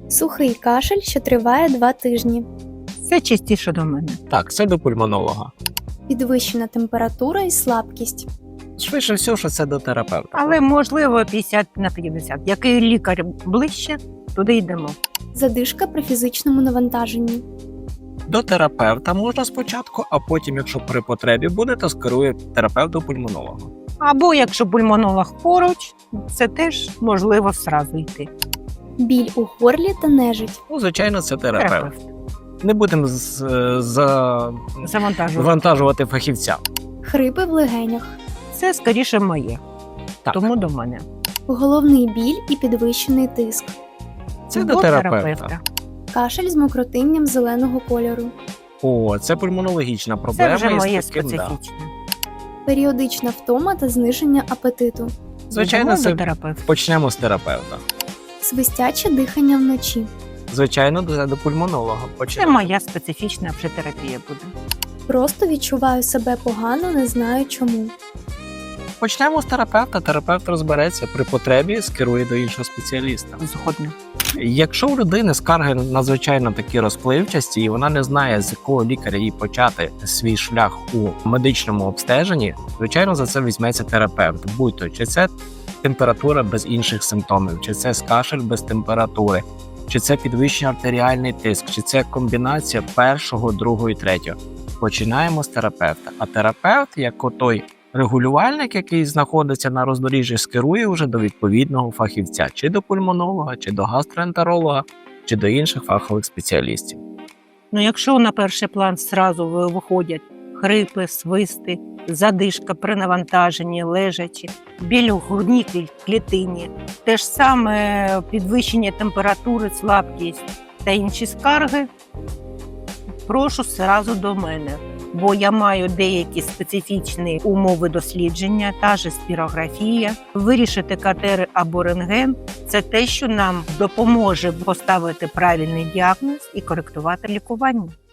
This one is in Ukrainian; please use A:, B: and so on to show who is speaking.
A: Сухий кашель, що триває 2 тижні.
B: Це частіше до мене.
C: Так, це до пульмонолога.
A: Підвищена температура і слабкість.
C: Швидше всього, що це до терапевта.
B: Але, можливо, 50/50. Який лікар ближче, туди йдемо.
A: Задишка при фізичному навантаженні.
C: До терапевта можна спочатку, а потім, якщо при потребі буде, то скерує терапевт до пульмонолога.
B: Або, якщо пульмонолог поруч, це теж можливо зразу йти.
A: Біль у горлі та нежить.
C: Ну, звичайно, це терапевт. Не будемо завантажувати фахівця.
A: Хрипи в легенях.
B: Це скоріше моє.
C: Так.
B: Тому до мене.
A: Головний біль і підвищений тиск.
C: Це до терапевта.
A: Кашель з мокротинням зеленого кольору.
C: О, це пульмонологічна проблема.
B: Це вже моє
C: із таким,
B: специфічне.
A: Періодична втома та зниження апетиту.
C: Звичайно,
B: Йдемо
C: це
B: до терапевта.
C: почнемо з терапевта.
A: Свистяче дихання вночі.
C: Звичайно, до пульмонолога.
B: Це
C: Почнемо.
B: моя специфічна психотерапія буде.
A: Просто відчуваю себе погано, не знаю чому.
C: Почнемо з терапевта. Терапевт розбереться, при потребі скерує до іншого спеціаліста.
B: Згодна.
C: Якщо у людини скарги надзвичайно такі розпливчасті, і вона не знає, з якого лікаря їй почати свій шлях у медичному обстеженні, звичайно, за це візьметься терапевт. Будь-то, чи це температура без інших симптомів, чи це кашель без температури, чи це підвищений артеріальний тиск, чи це комбінація першого, другого і третього. Починаємо з терапевта. А терапевт, як отой регулювальник, який знаходиться на роздоріжжі, скерує вже до відповідного фахівця, чи до пульмонолога, чи до гастроентеролога, чи до інших фахових спеціалістів.
B: Ну, якщо на перший план зразу виходять хрипи, свисти, задишка при навантаженні, лежачі, біль у грудній клітині, те ж саме підвищення температури, слабкість та інші скарги, прошу зразу до мене. Бо я маю деякі специфічні умови дослідження, та ж спірографія. Вирішити КТ або рентген – це те, що нам допоможе поставити правильний діагноз і коректувати лікування.